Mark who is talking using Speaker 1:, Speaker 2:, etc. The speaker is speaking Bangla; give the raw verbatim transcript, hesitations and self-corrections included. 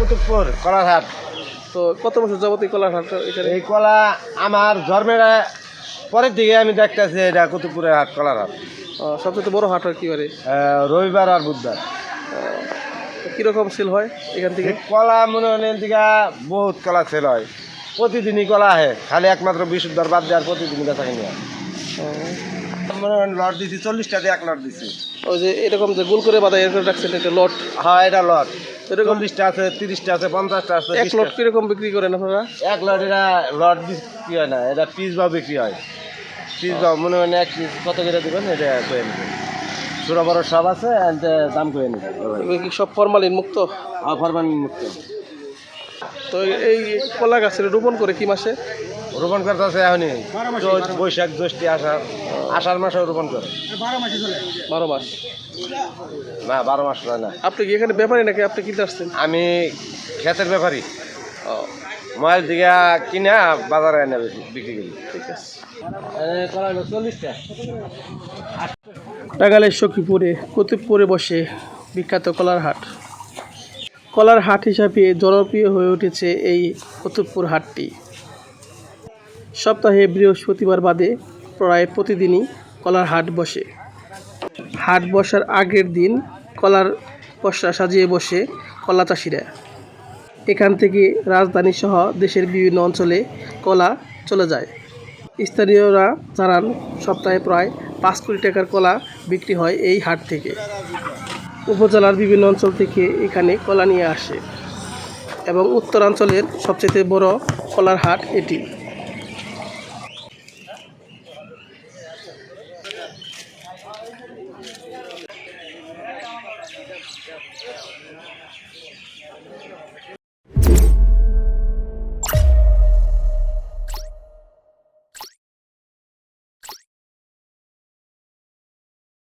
Speaker 1: কুতুবপুর কলার হাট।
Speaker 2: তো কত বছর যাবত এই কলার হাট এখানে?
Speaker 1: এই কলা আমার জন্মের পরের দিকে আমি দেখতেছি এটা কুতুবপুরের হাট, কলার হাট।
Speaker 2: আহ, সবচেয়ে বড় হাট আর কি বারে?
Speaker 1: আহ, রবিবার আর বুধবার।
Speaker 2: তো কিরকম সেল হয় এখান থেকে?
Speaker 1: এই কলা মনে হয় এখান থেকে বহুত কলা সেল হয়, প্রতিদিনই কলা আহে, খালি একমাত্র বিশুদ্ধর বাদ দেওয়ার প্রতিদিনই বেচা কিনি হয়। মনে হয় লট দিছি চল্লিশটা দিয়ে এক লট দিছি।
Speaker 2: ওই যে এরকম যে গোল করে বাঁধা এরকম রাখছেন এটা লট?
Speaker 1: হ্যাঁ, এটা লট।
Speaker 2: এরকম
Speaker 1: চল্লিশটা আছে, তিরিশটা আছে, পঞ্চাশটা আছে।
Speaker 2: এক লট কিরকম বিক্রি করেন আপনারা?
Speaker 1: এক লট এটা লট বিক্রি হয় না, এটা পিস বা বিক্রি হয়। পিস বা মনে হয় এক পিস কত করে দেবেন এটা করে নেবেন। ছোটো বড় সব আছে, দাম করে নেবেন।
Speaker 2: এগুলো কি সব ফরমালিন মুক্ত?
Speaker 1: ফরমালিন মুক্ত।
Speaker 2: তো এই কলা গাছের রোপণ করে কি মাসে?
Speaker 1: রোপণ করতে আছে এখনই চৈত, বৈশাখ, জ্যৈষ্ঠী, আষাঢ়। আষাঢ় মাসে রোপণ করে।
Speaker 2: বারো মাস?
Speaker 1: না, বারো মাস নয় না।
Speaker 2: আপনি কি এখানে ব্যাপারী নাকি আপনি কিনতে আসছেন?
Speaker 1: আমি ক্ষেতের ব্যাপারী,
Speaker 2: ও
Speaker 1: মোবাইল দিকে কিনা বাজারে এনে বিক্রি করি।
Speaker 2: ঠিক আছে।
Speaker 1: চল্লিশটা।
Speaker 2: টাঙ্গাইলের সখীপুরে কুতুবপুরে বসে বিখ্যাত কলার হাট। কলার হাট হিসাবে জনপ্রিয় হয়ে উঠেছে এই কুতুবপুর হাটটি। সপ্তাহে বৃহস্পতিবার বাদে প্রায় প্রতিদিনই কলার হাট বসে। হাট বসার আগের দিন কলার পসরা সাজিয়ে বসে কলা চাষিরা। এখান থেকে রাজধানী সহ দেশের বিভিন্ন অঞ্চলে কলা চলে যায়। স্থানীয়রা জানান সপ্তাহে প্রায় পাঁচ কোটি টাকার কলা বিক্রি হয় এই হাট থেকে। উপজেলার বিভিন্ন অঞ্চল থেকে এখানে কলা নিয়ে আসে এবং উত্তরাঞ্চলের সবচেয়ে বড় কলার হাট এটি।